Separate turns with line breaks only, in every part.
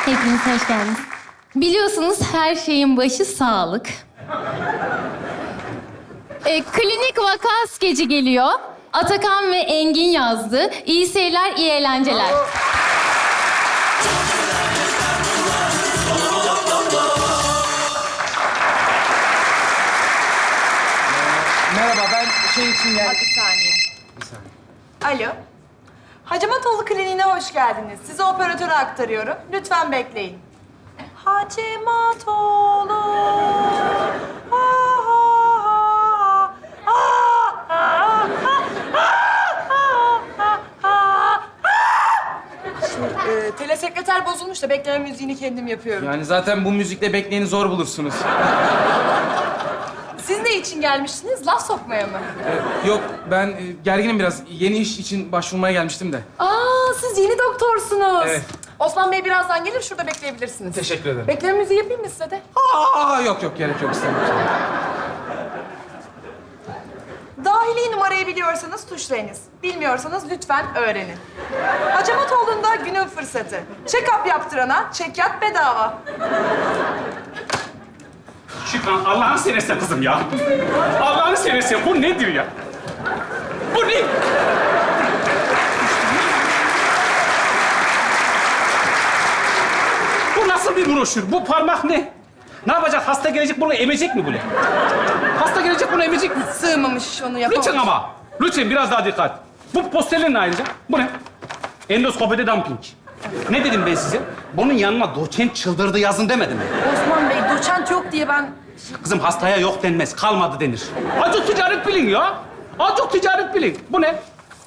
Hepiniz hoş geldiniz. Biliyorsunuz her şeyin başı sağlık. Klinik vaka skeci geliyor. Atakan ve Engin yazdı. İyi seyirler, iyi eğlenceler.
Merhaba, ben şey için geldim.
Bir saniye.
Bir saniye.
Alo. Hacamatoğlu Kliniğine hoş geldiniz. Sizi operatöre aktarıyorum. Lütfen bekleyin. Hacamatoğlu. Şimdi, telesekreter bozulmuş da bekleme müziğini kendim yapıyorum.
Yani zaten bu müzikle bekleyeni zor bulursunuz.
Siz ne için gelmiştiniz? Laf sokmaya mı?
Yok, ben gerginim biraz. Yeni iş için başvurmaya gelmiştim de.
Aa, siz yeni doktorsunuz.
Evet.
Osman Bey birazdan gelir, şurada bekleyebilirsiniz.
Teşekkür ederim.
Bekleme müziği yapayım mı size de?
Yok, gerek yok istemiyorum.
Dahili numarayı biliyorsanız tuşlayınız. Bilmiyorsanız lütfen öğrenin. Hacamatoğlu'nda günün fırsatı. Check-up yaptırana çekyat bedava.
Şükran, Allah'ını seversen kızım ya. Allah'ını seversen bu nedir ya? Bu ne? Bu nasıl bir broşür? Bu parmak ne? Ne yapacak? Hasta gelecek bunu emecek mi böyle? Hasta gelecek bunu emecek mi?
Sığmamış, onu yapamamış.
Lütfen ama. Lütfen biraz daha dikkat. Bu posterler ne ayrıca? Bu ne? Endoskopide dumping. Ne dedim ben size? Bunun yanına doçent çıldırdı yazın demedim mi?
Osman Bey, doçent yok diye ben...
Kızım hastaya yok denmez, kalmadı denir. Azıcık ticaret bilin ya. Azıcık ticaret bilin. Bu ne?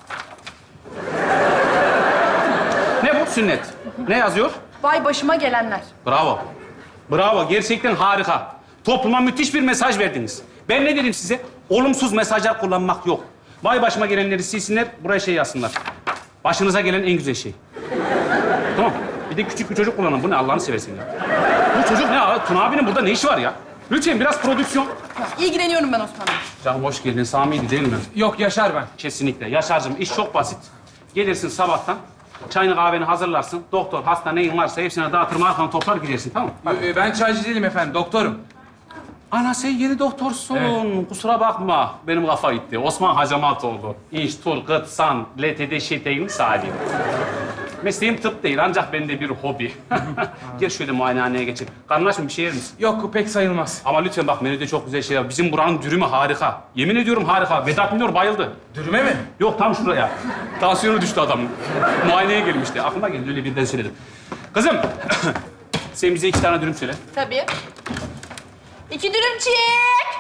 Ne bu? Sünnet. Ne yazıyor?
Vay başıma gelenler.
Bravo. Bravo. Gerçekten harika. Topluma müthiş bir mesaj verdiniz. Ben ne dedim size? Olumsuz mesajlar kullanmak yok. Vay başıma gelenleri silsinler, buraya şey yazsınlar. Başınıza gelen en güzel şey. Tamam. Bir de küçük bir çocuk kullanın. Bu ne Allah'ını seversen ya. Bu çocuk ne ya? Tuna abinin burada ne işi var ya? Lütfen biraz prodüksiyon.
İlgileniyorum ben Osman Bey.
Canım hoş geldin. Sami'ydi değil mi?
Yok, Yaşar ben.
Kesinlikle. Yaşar'cığım iş çok basit. Gelirsin sabahtan, çayını kahveni hazırlarsın. Doktor, hasta neyin varsa hepsine dağıtır, arkanı toplar gidersin, tamam mı?
Ben çaycı değilim efendim, doktorum.
Ana sen yeni doktorsun.
Evet.
Kusura bakma. Benim kafa gitti. Osman Hacamatoğlu. İnç, tur, gıt, san, LTD, şeteğin salim. Mesleğim tıp değil ancak bende bir hobi. Gel şöyle muayenehaneye geçelim. Karnın aç mı? Bir şey yer misin?
Yok, pek sayılmaz.
Ama lütfen bak menüde çok güzel şeyler var. Bizim buranın dürümü harika. Yemin ediyorum harika. Vedat Milor bayıldı.
Dürüme mi?
Yok tam şuraya. Tansiyonu düştü adamın. Muayeneye gelmişti. Aklıma geldi öyle birden söyledim. Kızım sen bize 2 tane dürüm söyle.
Tabii. 2 dürüm çek.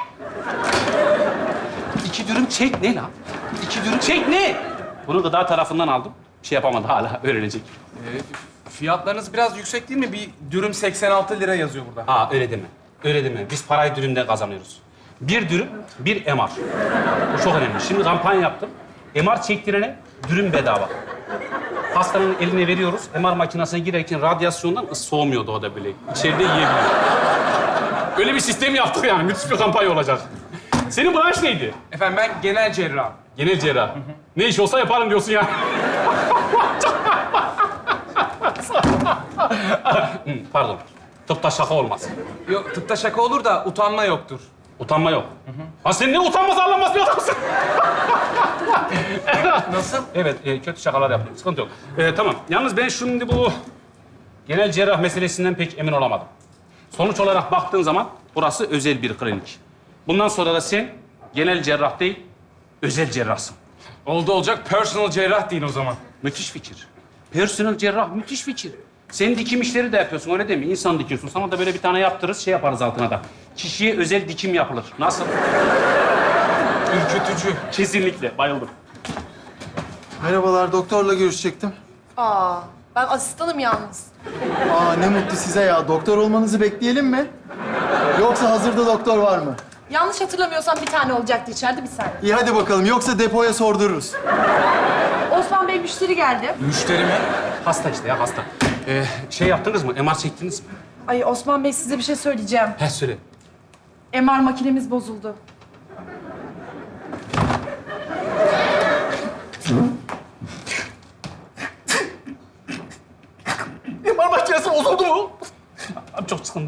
2 dürüm çek ne lan? 2 dürüm çek ne? Bunu gıda tarafından aldım. Bir şey yapamadı hala öğrenecek.
Fiyatlarınız biraz yüksek değil mi? Bir dürüm 86 lira yazıyor burada.
Aa öyle deme. Öyle deme. Biz parayı dürümden kazanıyoruz. Bir dürüm, bir MR. Bu çok önemli. Şimdi kampanya yaptım. MR çektirene dürüm bedava. Hastanın eline veriyoruz. MR makinesine girerken radyasyondan soğumuyordu o da böyle. İçeride yiyebiliyor. Öyle bir sistem yaptık yani. Müthiş bir kampanya olacak. Senin branş neydi?
Efendim ben genel cerrah.
Genel cerrah. Ne iş olsa yaparım diyorsun ya. Pardon. Tıpta şaka olmaz.
Yok, tıpta şaka olur da utanma yoktur.
Utanma yok. Ha sen ne utanmaz arlanmaz bir adamsın.
Nasıl?
Evet, kötü şakalar yaptım. Sıkıntı yok. Tamam. Yalnız ben şimdi bu genel cerrah meselesinden pek emin olamadım. Sonuç olarak baktığın zaman burası özel bir klinik. Bundan sonra da sen genel cerrah değil, özel cerrahsın.
Oldu olacak, personal cerrah deyin o zaman.
Müthiş fikir. Personel cerrah müthiş fikir. Sen dikim işleri de yapıyorsun öyle değil mi? İnsan dikiyorsun. Sana da böyle bir tane yaptırırız, şey yaparız altına da. Kişiye özel dikim yapılır. Nasıl?
Ürkütücü.
Kesinlikle. Bayıldım.
Merhabalar, doktorla görüşecektim.
Aa, ben asistanım yalnız.
Aa, ne mutlu size ya. Doktor olmanızı bekleyelim mi? Yoksa hazırda doktor var mı?
Yanlış hatırlamıyorsam bir tane olacaktı içeride, bir saniye.
İyi hadi bakalım, yoksa depoya sordururuz.
Osman Bey müşteri geldi.
Müşteri mi?
Hasta işte ya hasta. Şey yaptınız mı? MR çektiniz mi?
Ay Osman Bey, size bir şey söyleyeceğim.
He söyle.
MR makinemiz bozuldu.
MR makinesi bozuldu mu?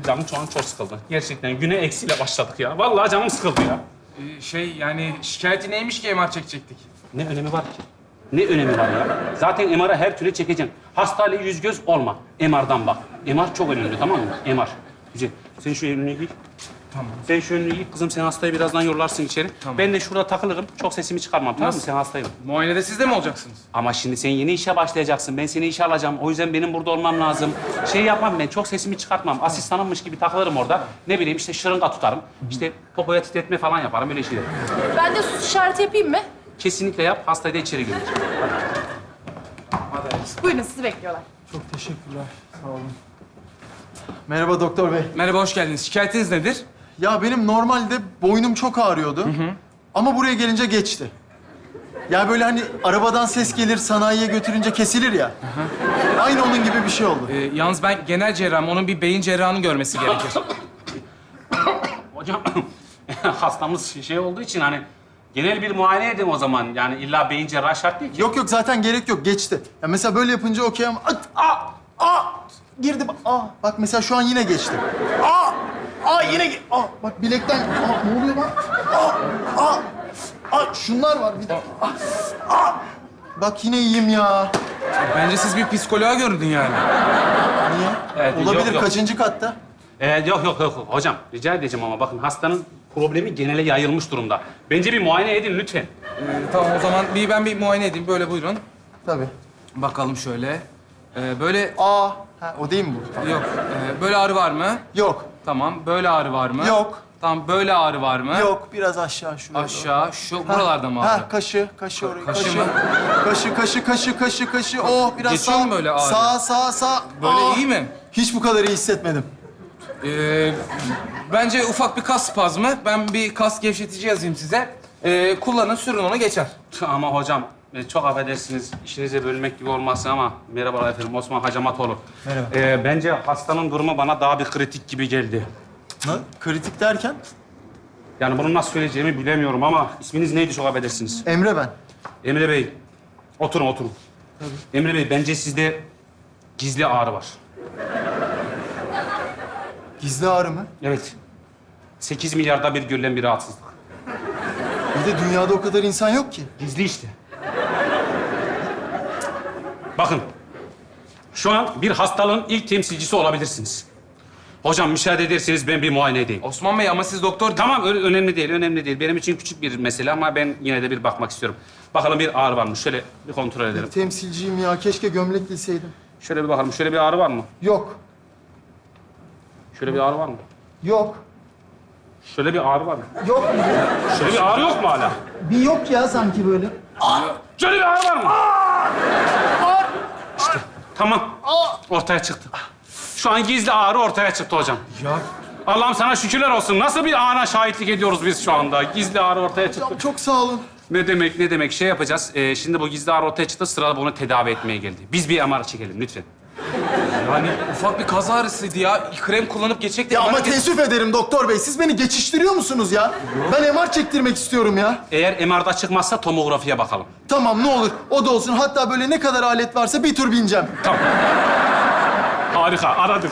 benim canım şu an çok sıkıldı. Gerçekten güne eksiyle başladık ya. Vallahi canım sıkıldı ya.
Yani şikayeti neymiş ki MR çekecektik?
Ne önemi var ki? Ne önemi var ya? Zaten MR'ı her türlü çekeceksin. Hastayla yüz göz olma. MR'dan bak. MR çok önemli, tamam mı? MR. Güzel. Sen şu önlüğü giy.
Tamam.
Sen şu önlüğü giy. Kızım sen hastayı birazdan yollarsın içeri.
Tamam.
Ben de şurada takılırım. Çok sesimi çıkarmam, tamam mı? Sen hastayım.
Muayenede siz de mi olacaksınız?
Ama şimdi sen yeni işe başlayacaksın. Ben seni işe alacağım. O yüzden benim burada olmam lazım. Şey yapmam ben, çok sesimi çıkartmam. Asistanımmış gibi takılırım orada. Ne bileyim işte şırınga tutarım. İşte popoya titretme falan yaparım, öyle şeyler.
Ben de sus işareti yapayım mı?
Kesinlikle yap, hastayı da içeri götür.
Buyurun sizi bekliyorlar.
Çok teşekkürler. Sağ olun.
Merhaba doktor bey.
Merhaba, hoş geldiniz. Şikayetiniz nedir?
Ya benim normalde boynum çok ağrıyordu. Ama buraya gelince geçti. Ya böyle hani arabadan ses gelir, sanayiye götürünce kesilir ya. Aynı onun gibi bir şey oldu.
Yalnız ben genel cerrahım. Onun bir beyin cerrahını görmesi gerekir.
Hocam, hastamız şey olduğu için hani genel bir muayene edin o zaman. Yani illa beyin cerrahı şart değil ki.
Yok yok zaten gerek yok, geçti. Ya mesela böyle yapınca okey ama... Girdi. Bak mesela şu an yine geçti. Yine... bak bilekten... ne oluyor bak? Şunlar var bir de. Bak yine iyiyim ya.
Bence siz bir psikoloğa göründün yani.
Niye?
Evet,
Olabilir,
yok.
kaçıncı katta?
Yok. Hocam rica edeceğim ama bakın hastanın problemi genele yayılmış durumda. Bence bir muayene edin lütfen.
Tamam, o zaman ben bir muayene edeyim. Böyle buyurun.
Tabii.
Bakalım şöyle. Böyle...
O değil mi bu?
Yok. Böyle ağrı var mı?
Yok.
Tamam. Böyle ağrı var mı?
Yok.
Tamam. Böyle ağrı var mı?
Yok, biraz aşağı şuraya.
Aşağı. Şu buralarda mı ağrı?
Kaşı orayı.
Kaşı mı?
Kaşı. Biraz
Geçiyor
sağ.
mu böyle ağrı?
Sağ.
Böyle iyi mi?
Hiç bu kadar iyi hissetmedim.
Bence ufak bir kas spazmı. Ben bir kas gevşetici yazayım size. Kullanın, sürün, ona geçer.
Ama hocam çok affedersiniz işinize bölmek gibi olmasın ama merhabalar efendim Osman Hacamatoğlu.
Merhaba.
Bence hastanın durumu bana daha bir kritik gibi geldi.
Ne? Kritik derken?
Yani bunu nasıl söyleyeceğimi bilemiyorum ama isminiz neydi çok affedersiniz?
Emre ben.
Emre Bey, oturun. Emre Bey, bence sizde gizli ağrı var.
Gizli ağrı mı?
Evet. 8 milyarda bir görülen bir rahatsızlık.
Bir de dünyada o kadar insan yok ki.
Gizli işte. Bakın, şu an bir hastalığın ilk temsilcisi olabilirsiniz. Hocam müsaade ederseniz ben bir muayene edeyim.
Osman Bey, ama siz doktor...
Tamam, önemli değil. Benim için küçük bir mesele ama ben yine de bir bakmak istiyorum. Bakalım bir ağrı var mı? Şöyle bir kontrol edelim.
Temsilciyim ya. Keşke gömlek giyseydim.
Şöyle bir bakalım. Şöyle bir ağrı var mı?
Yok.
Şöyle bir ağrı var mı?
Yok.
Şöyle bir ağrı var mı?
Yok.
Şöyle bir ağrı yok mu hala?
Bir yok ya sanki böyle.
Şöyle bir ağrı var mı? İşte tamam. Ortaya çıktı. Şu an gizli ağrı ortaya çıktı hocam.
Ya
Allah'ım sana şükürler olsun. Nasıl bir ana şahitlik ediyoruz biz şu anda? Gizli ağrı ortaya çıktı.
Çok sağ olun.
Ne demek? Şey yapacağız. Şimdi bu gizli ağrı ortaya çıktı. Sırada bunu tedavi etmeye geldi. Biz bir MR çekelim lütfen.
yani ufak bir kas ağrısıydı ya. Krem kullanıp geçecektik.
Ya ama
Bana-
teessüf ederim doktor bey. Siz beni geçiştiriyor musunuz ya? Ben MR çektirmek istiyorum ya.
Eğer MR'da çıkmazsa tomografiye bakalım.
Tamam ne olur o da olsun. Hatta böyle ne kadar alet varsa bir tur bineceğim.
Tamam. Harika, aradık.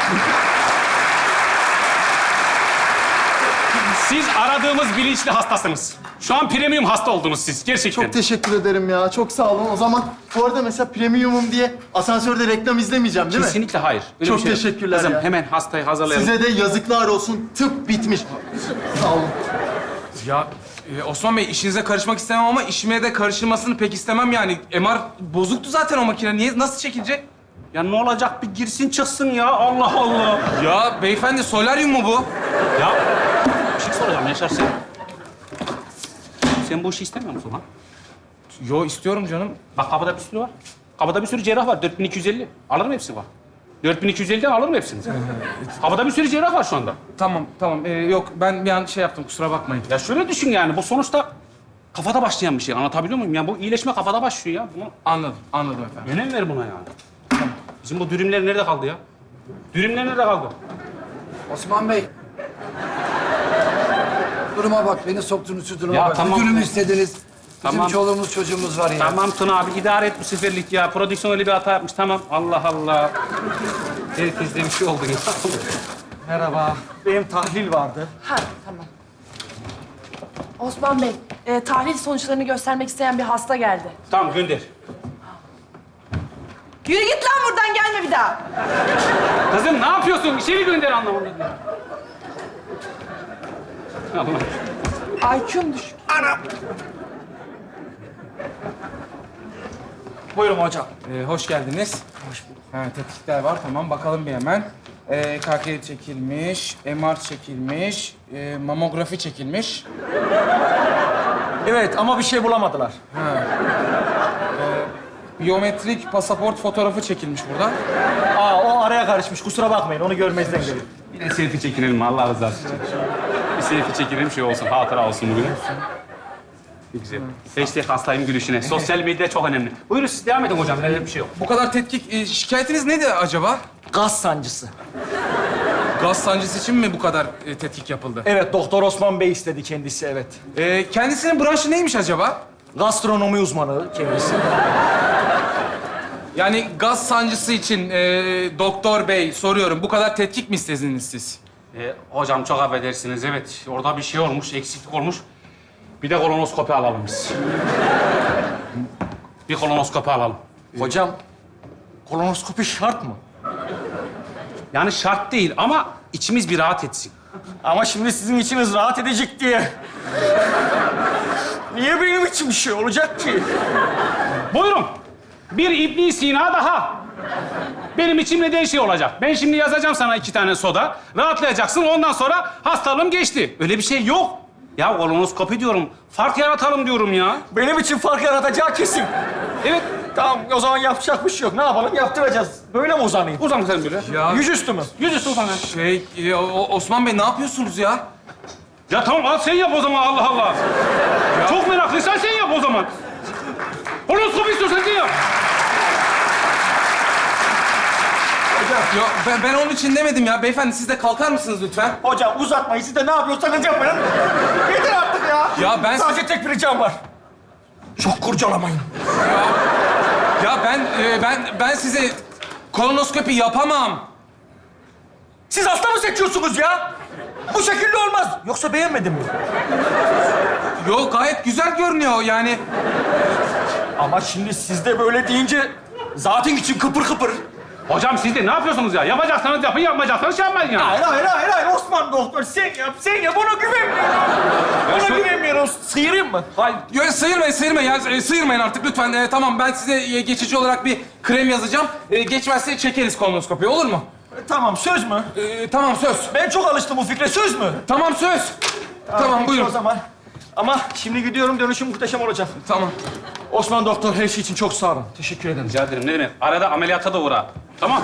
Siz aradığımız bilinçli hastasınız. Şu an premium hasta oldunuz siz, gerçekten.
Çok teşekkür ederim ya. Çok sağ olun. O zaman bu arada mesela premiumum diye asansörde reklam izlemeyeceğim değil mi?
Kesinlikle hayır. Öyle
Çok
bir şey yok.
teşekkürler
Kızım,
ya.
hemen hastayı hazırlayalım.
Size de yazıklar olsun. Tıp bitmiş. Sağ olun.
Ya Osman Bey, işinize karışmak istemem ama işime de karışılmasını pek istemem yani. MR bozuktu zaten o makine. Niye, nasıl çekilecek?
Ya ne olacak? Bir girsin çıksın ya. Allah Allah.
Ya beyefendi, solaryum mu bu?
Ya bir şey soracağım Yaşar sen. Sen bu işi istemiyor musun lan?
Yo, istiyorum canım.
Bak kapıda bir sürü var. Kapıda bir sürü cerrah var. 4250. Alırım hepsini var. 4250'den alırım hepsini. Kapıda bir sürü cerrah var şu anda.
Tamam. Yok, ben bir an şey yaptım, kusura bakmayın.
Ya şöyle düşün yani. Bu sonuçta kafada başlayan bir şey. Anlatabiliyor muyum? Yani bu iyileşme kafada başlıyor ya. Bunu
Anladım efendim.
önem ver buna yani. Bizim bu dürümler nerede kaldı ya? Dürümler nerede kaldı?
Osman Bey. Duruma bak, beni soktunuz şu duruma
Ya
bak.
tamam.
Bir dürüm istediniz. Bizim
Tamam.
çoluğumuz çocuğumuz var ya.
Tamam Tuna abi idare et bu seferlik ya. Prodüksiyon öyle bir hata yapmış. Tamam. Allah Allah. Herkeste bir şey oldu ya.
Merhaba. Benim tahlil vardı.
Ha, tamam. Osman Bey, tahlil sonuçlarını göstermek isteyen bir hasta geldi.
Tamam gönder.
Yürü git lan buradan, gelme bir daha.
Kızım ne yapıyorsun? İçeri gönder anlamında diyor. Allah.
IQ'm düşük.
Buyurun hocam.
Hoş geldiniz. Hoş bulduk. Ha, tetkikler var. Tamam, bakalım bir hemen. KK çekilmiş, MR çekilmiş, mamografi çekilmiş.
Evet ama bir şey bulamadılar.
Biyometrik pasaport fotoğrafı çekilmiş burada.
Aa o araya karışmış. Kusura bakmayın. Onu görmezden gelin.
Bir de selfie çekinelim Allah rızası için. Bir selfie çekinelim şey olsun, hatıra olsun bugün. Ne güzel. Hashtag hastayım gülüşüne. Sosyal medya çok önemli. Buyurun siz devam edin hocam. Öyle bir şey yok.
Bu kadar tetkik, şikayetiniz neydi acaba?
Gaz sancısı.
Gaz sancısı için mi bu kadar tetkik yapıldı?
Evet Doktor Osman Bey istedi kendisi evet.
Kendisinin branşı neymiş acaba?
Gastronomi uzmanı kendisi.
Yani gaz sancısı için doktor bey soruyorum. Bu kadar tetkik mi istediniz siz?
Hocam çok affedersiniz. Evet, orada bir şey olmuş, eksiklik olmuş. Bir de kolonoskopi alalım biz. Bir kolonoskopi alalım.
Hocam kolonoskopi şart mı?
Yani şart değil ama içimiz bir rahat etsin.
Ama şimdi sizin içiniz rahat edecek diye. Niye benim için bir şey olacak ki?
Buyurun. Bir İbn Sina daha. Benim içimde de şey olacak. Ben şimdi yazacağım sana 2 tane soda. Rahatlayacaksın. Ondan sonra hastalığım geçti. Öyle bir şey yok. Ya kolonoskopi diyorum. Fark yaratalım diyorum ya.
Benim için fark yaratacağı kesin.
Evet.
Tamam o zaman yapacak bir şey yok. Ne yapalım? Yaptıracağız. Böyle mi uzanayım?
Uzan sen böyle.
Ya
Yüzüstü mü?
Yüzüstü uzan.
Osman Bey ne yapıyorsunuz ya?
Ya tamam al sen yap o zaman Allah Allah. Çok meraklıysan sen yap o zaman. Kolonoskopi istiyorsan sen yap.
Ya ben onun için demedim ya. Beyefendi siz de kalkar mısınız lütfen?
Hocam uzatmayın. Siz de ne yapıyorsanız yapın. Yeter artık ya.
Ya ben...
Sadece tek bir ricam var. Çok kurcalamayın.
Ya ben size kolonoskopi yapamam.
Siz hasta mı seçiyorsunuz ya? Bu şekilde olmaz. Yoksa beğenmedin mi?
Yok gayet güzel görünüyor yani.
Ama şimdi siz de böyle deyince zaten içim kıpır kıpır.
Hocam siz de ne yapıyorsunuz ya? Yapacaksanız yapın, yapmayacaksanız şey yapmayın ya.
Hayır. Osman doktor sen yap. Ona güvenmiyorum. Ona güvenmiyorum. Sıyırayım mı?
Hayır, yok, sıyırmayın ya. Sıyırmayın artık lütfen. Tamam, ben size geçici olarak bir krem yazacağım. Geçmezse çekeriz kolonoskopiyi, olur mu?
Tamam söz mü?
Tamam, söz.
Ben çok alıştım bu fikre. Söz mü?
Tamam, söz. Tamam,
Peki
buyurun.
o zaman. Ama şimdi gidiyorum. Dönüşüm muhteşem olacak.
Tamam.
Osman doktor her şey için çok sağ olun. Teşekkür ederim.
Rica ederim, ne demek? Arada ameliyata da uğra. Tamam.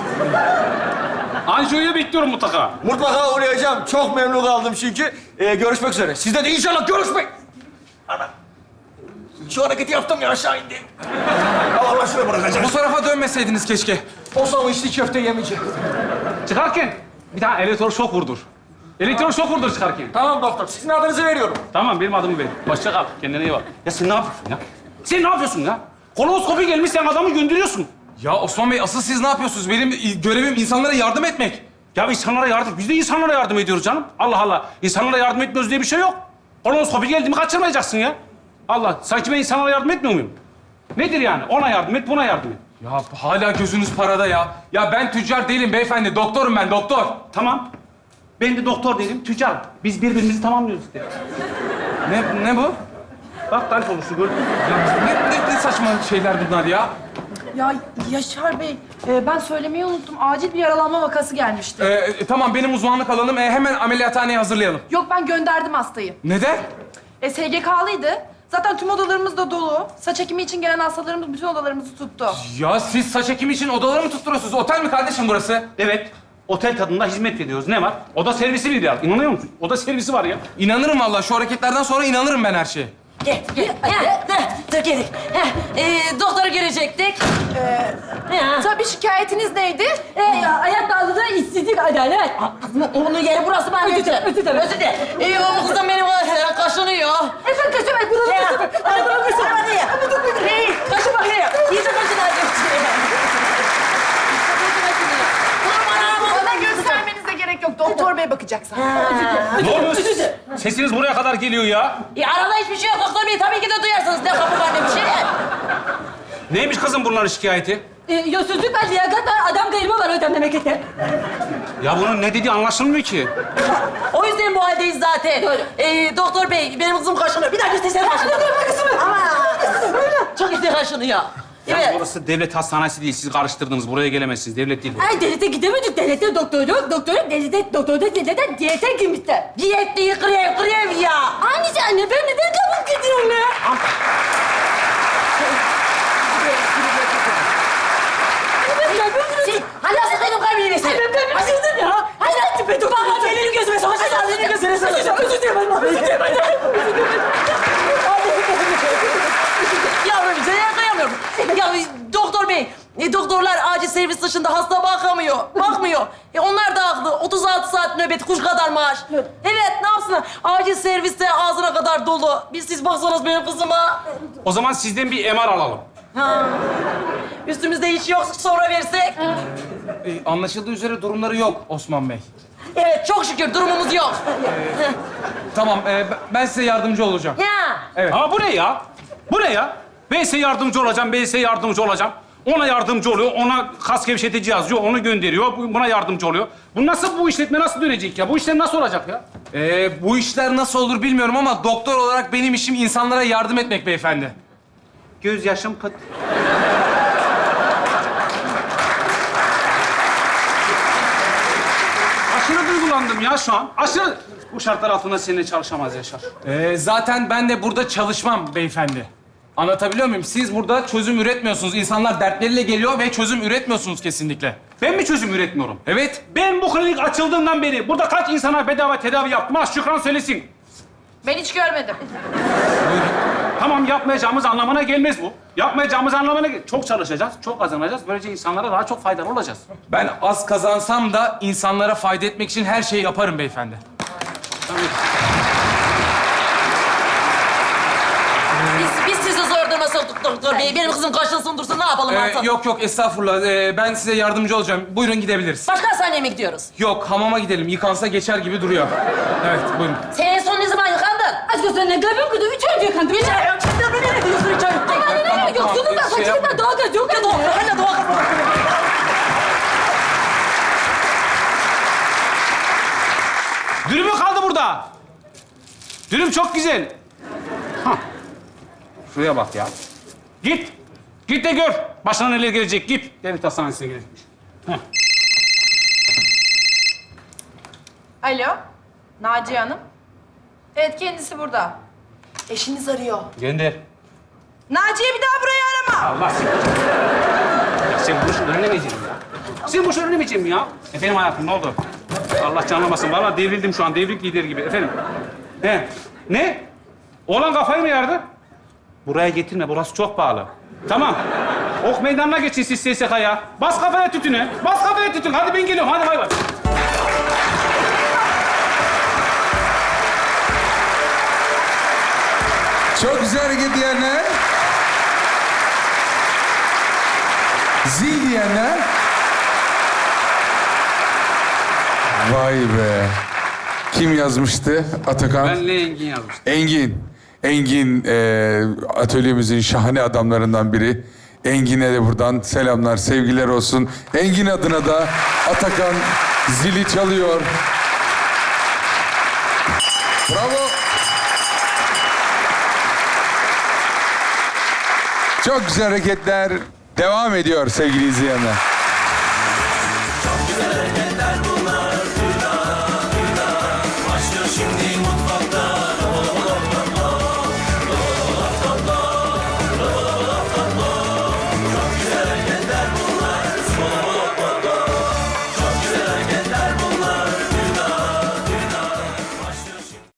Anjiyoyu bekliyorum mutlaka.
Mutlaka uğrayacağım. Çok memnun kaldım çünkü. Görüşmek üzere. Sizde de inşallah görüşmek. Ana. Şu hareketi yaptım ya aşağı indi. Allah şuraya bırakacağım.
Bu tarafa dönmeseydiniz keşke.
O zaman içli köfte yemeyeceğim.
Çıkarken bir tane elektroşok vurdur. Elektroşok vurdur çıkarken.
Tamam doktor. Sizin adınızı veriyorum.
Tamam, benim adımı ver. Hoşça kal, kendine iyi bak. Ya sen ne yapıyorsun ya? Sen ne yapıyorsun ya? Kolonoskopi gelmiş, sen adamı gönderiyorsun.
Ya Osman Bey, asıl siz ne yapıyorsunuz? Benim görevim insanlara yardım etmek.
Ya insanlara yardım, biz de insanlara yardım ediyoruz canım. Allah Allah, insanlara yardım etmiyoruz diye bir şey yok. Kolonoskopi geldi mi kaçırmayacaksın ya. Allah, sanki ben insanlara yardım etmiyor muyum? Nedir yani? Ona yardım et, buna yardım et.
Ya hala gözünüz parada ya. Ya ben tüccar değilim beyefendi. Doktorum ben, doktor.
Tamam. Ben de doktor değilim, tüccar. Biz birbirimizi tamamlıyoruz işte.
Ne bu?
Bak tarif olmuştu, gördün mü?
Ya ne saçma şeyler bunlar ya?
Ya Yaşar Bey, ben söylemeyi unuttum. Acil bir yaralanma vakası gelmişti.
Tamam, benim uzmanlık alanım. Hemen ameliyathaneye hazırlayalım.
Yok, ben gönderdim hastayı.
Neden?
SGK'lıydı. Zaten tüm odalarımız da dolu. Saç ekimi için gelen hastalarımız bütün odalarımızı tuttu.
Ya siz saç ekimi için odaları mı tutturuyorsunuz? Otel mi kardeşim burası?
Evet. Otel tadında hizmet veriyoruz. Ne var? Oda servisi bir ya. İnanıyor musun? Oda servisi var ya.
İnanırım vallahi. Şu hareketlerden sonra inanırım ben her şeye.
Gel. Dur geldik. Doktoru görecektik.
Tabii şikayetiniz neydi?
Hayat dağıldı, işsizlik adalet. Onun yeri burası ben özür dilerim. Özür dilerim. O kızım benim kaşınıyor.
Efendim kaçım, buranın kaçım.
Hadi buranın kaşın. Hadi. Kaşı bakayım. İyice kaşın hadi.
Bana göstermenize gerek yok. Doktor Bey, duyacaksan.
Ne oluyor? Sesiniz buraya kadar geliyor ya.
Arada hiçbir şey yok doktor bey. Tabii ki de duyarsınız. Ne kapı var ne bir şey.
Neymiş kızım bunların şikayeti?
Yolsuzluk var, liyakat var, adam kayırma var hocam memlekette.
Ya bunun ne dediği anlaşılmıyor ki.
O yüzden bu haldeyiz zaten. Doktor bey, benim kızım kaşınıyor. Bir daha göstersene kaşınıyor. Ama çok işte kaşınıyor.
Yani
Evet.
burası devlet hastanesi değil. Siz karıştırdınız. Buraya gelemezsiniz. Devlet değil.
Ay devlete gidemedik. Devlette doktor yok. Devlete diyete girmişler. Diyet değil, grev ya. Annesi anne, ben neden kabul gidiyorum ya? Hala benim kalbimi vesin. Ben üzüldüm ya. Hala tipe dur. Baba elini gözüme sokacağız. Elini gözüme sokacağım. Özür dilerim ben. Özür dilerim ben. Yavrum seni kıyamıyorum. Ya doktor bey, doktorlar acil servis dışında hasta bakmıyor. Onlar da haklı. 36 saat nöbet, kuş kadar maaş. Evet, ne yapsınlar? Acil serviste ağzına kadar dolu. Siz baksanız benim kızıma.
O zaman sizden bir MR alalım.
Ha. Üstümüzde hiç yok, sonra versek.
Anlaşıldığı üzere durumları yok Osman Bey.
Evet, çok şükür durumumuz yok.
Tamam, ben size yardımcı olacağım.
Ya.
Evet.
Ama bu ne ya? Bu ne ya? Ben size yardımcı olacağım, ben size yardımcı olacağım. Ona yardımcı oluyor, ona kas gevşetici yazıyor, onu gönderiyor, buna yardımcı oluyor. Bu işletme nasıl dönecek ya? Bu işler nasıl olacak ya?
Bu işler nasıl olur bilmiyorum ama doktor olarak benim işim insanlara yardım etmek beyefendi.
Göz yaşım pıt. Aşırı duygulandım ya şu an. Aşırı... Bu şartlar altında seninle çalışamaz Yaşar.
Zaten ben de burada çalışmam beyefendi. Anlatabiliyor muyum? Siz burada çözüm üretmiyorsunuz. İnsanlar dertleriyle geliyor ve çözüm üretmiyorsunuz kesinlikle.
Ben mi çözüm üretmiyorum?
Evet.
Ben bu klinik açıldığından beri burada kaç insana bedava tedavi yaptım? Ha Şükran söylesin.
Ben hiç görmedim.
Tamam yapmayacağımız anlamına gelmez bu. Yapmayacağımız anlamına çok çalışacağız, çok kazanacağız. Böylece insanlara daha çok faydalı olacağız.
Ben az kazansam da insanlara fayda etmek için her şeyi yaparım beyefendi.
Biz sizi zor duruma soktuk doktor bey. Benim kızım kaşınsın dursun, ne yapalım artık?
Yok estağfurullah. Ben size yardımcı olacağım. Buyurun gidebiliriz.
Başka hastaneye mi gidiyoruz?
Yok hamama gidelim. Yıkansa geçer gibi duruyor. Evet buyurun.
Sen en son ne zaman yıkandın?
Aşk olsun ne kalbim kırdı. 3 ay önce yıkandım.
Üç ay önce de ne diyorsun 3 ay önce?
Tamam,
Yoksunum ben.
şey
Saçımdan daha kötü. Yok ya doğru.
Hala doğa kapı.
Dürümü kaldı burada. Dürüm çok güzel. Hah. Şuraya bak ya. Git. Git de gör. Başına neler gelecek. Git. Devlet hastanesine gelecekmiş.
Alo, Naciye Hanım. Evet, kendisi burada. Eşiniz arıyor.
Gönder.
Naciye bir daha burayı arama.
Allah seni. Ya sen bu işi öğrenemeyeceksin ya. Sen bu işi öğrenemeyeceksin ya. Efendim hayatım ne oldu? Allah canlamasın. Vallahi devrildim şu an. Devrik lideri gibi. Efendim. He. Ne? Oğlan kafayı mı yardı? Buraya getirme. Burası çok pahalı. Tamam. Ok meydanına geçin siz SSK'ya. Bas kafaya tütünü. Bas kafaya tütün. Hadi ben geliyorum. Hadi bay bay.
Çok güzel hareket diyenler. Zil diyenler. Vay be. Kim yazmıştı? Atakan.
Benle Engin yazmıştım.
Engin atölyemizin şahane adamlarından biri. Engin'e de buradan selamlar, sevgiler olsun. Engin adına da Atakan zili çalıyor. Bravo. Çok güzel hareketler devam ediyor sevgili izleyenler.